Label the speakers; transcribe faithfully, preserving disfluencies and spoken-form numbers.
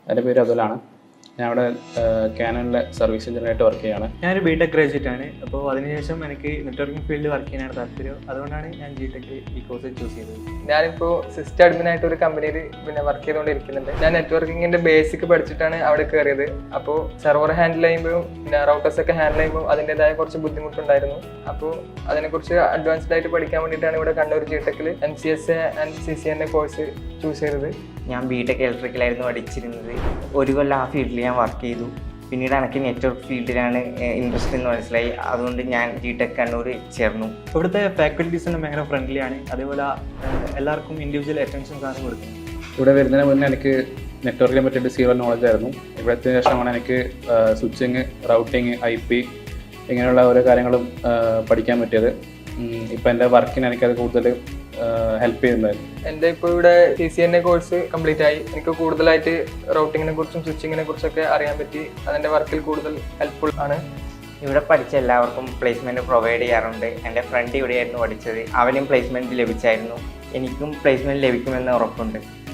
Speaker 1: എൻ്റെ പേര് അതുലാണ്. ഞാൻ ഇവിടെ കാനണിലെ സർവീസ് എഞ്ചിനീയറായിട്ട് വർക്ക് ചെയ്യുകയാണ്.
Speaker 2: ഞാനൊരു ബി ടെക് ഗ്രാജുവേറ്റ് ആണ്. അപ്പോൾ അതിനുശേഷം എനിക്ക് നെറ്റ്വർക്കിംഗ് ഫീൽഡിൽ വർക്ക് ചെയ്യാനാണ് താല്പര്യം. അതുകൊണ്ടാണ് ഞാൻ ജി ടെക് ഈ കോഴ്സ് ചൂസ് ചെയ്തത്.
Speaker 3: ഞാനിപ്പോൾ സിസ്റ്റം അഡ്മിൻ ആയിട്ട് ഒരു കമ്പനിയിൽ പിന്നെ വർക്ക് ചെയ്തുകൊണ്ടിരിക്കുന്നുണ്ട്. ഞാൻ നെറ്റ്വർക്കിങ്ങിന്റെ ബേസിക് പഠിച്ചിട്ടാണ് അവിടെ കയറിയത്. അപ്പോൾ സെർവർ ഹാൻഡിൽ ചെയ്യുമ്പോഴും പിന്നെ റൗട്ടേഴ്സ് ഒക്കെ ഹാൻഡിൽ ചെയ്യുമ്പോൾ അതിൻ്റെതായ കുറച്ച് ബുദ്ധിമുട്ടുണ്ടായിരുന്നു. അപ്പോൾ അതിനെക്കുറിച്ച് അഡ്വാൻസ്ഡ് ആയിട്ട് പഠിക്കാൻ വേണ്ടിയിട്ടാണ് ഇവിടെ കണ്ണൂർ ജി ടെക്കിൽ M C S A and C C N A course choose ചെയ്തത്.
Speaker 4: ഞാൻ ബി ടെക് ഇലക്ട്രിക്കലായിരുന്നു പഠിച്ചിരുന്നത്. ഒരു കൊല്ലം ആ ഫീൽഡിൽ ഞാൻ വർക്ക് ചെയ്തു. പിന്നീട് എനിക്ക് നെറ്റ്വർക്ക് ഫീൽഡിലാണ് ഇൻട്രസ്റ്റ് എന്ന് മനസ്സിലായി. അതുകൊണ്ട് ഞാൻ ജി ടെക് കണ്ണൂർ ചേർന്നു.
Speaker 2: ഇവിടുത്തെ ഫാക്കൽറ്റീസിന് ഭയങ്കര ഫ്രണ്ട്ലിയാണ്. അതേപോലെ എല്ലാവർക്കും ഇൻഡിവിജ്വൽ അറ്റൻഷൻസ് ആണ് കൊടുക്കുന്നത്.
Speaker 1: ഇവിടെ വരുന്നതിന് മുന്നേ എനിക്ക് നെറ്റ്വർക്കിനെ പറ്റിയിട്ട് സീറോ നോളജ് ആയിരുന്നു. ഇവിടുത്തെ ശേഷമാണ് എനിക്ക് സ്വിച്ചിങ്, റൗട്ടിങ്, ഐ പി ഇങ്ങനെയുള്ള ഓരോ കാര്യങ്ങളും പഠിക്കാൻ പറ്റിയത്. ഇപ്പം എൻ്റെ വർക്കിന് എനിക്കത് കൂടുതൽ ഹെൽപ്പ് ചെയ്യുന്നത്.
Speaker 3: എൻ്റെ ഇപ്പോൾ ഇവിടെ C C N A course complete ആയി. എനിക്ക് കൂടുതലായിട്ട് റൗട്ടിങ്ങിനെ കുറിച്ചും സ്വിച്ചിങ്ങിനെ കുറിച്ചൊക്കെ അറിയാൻ പറ്റി. അതിൻ്റെ വർക്കിൽ കൂടുതൽ ഹെൽപ്ഫുൾ ആണ്.
Speaker 4: ഇവിടെ പഠിച്ച എല്ലാവർക്കും പ്ലേസ്മെൻറ്റ് പ്രൊവൈഡ് ചെയ്യാറുണ്ട്. എൻ്റെ ഫ്രണ്ട് ഇവിടെയായിരുന്നു പഠിച്ചത്. അവനും പ്ലേസ്മെൻറ്റ് ലഭിച്ചായിരുന്നു. എനിക്കും പ്ലേസ്മെൻറ്റ് ലഭിക്കുമെന്ന് ഉറപ്പുണ്ട്.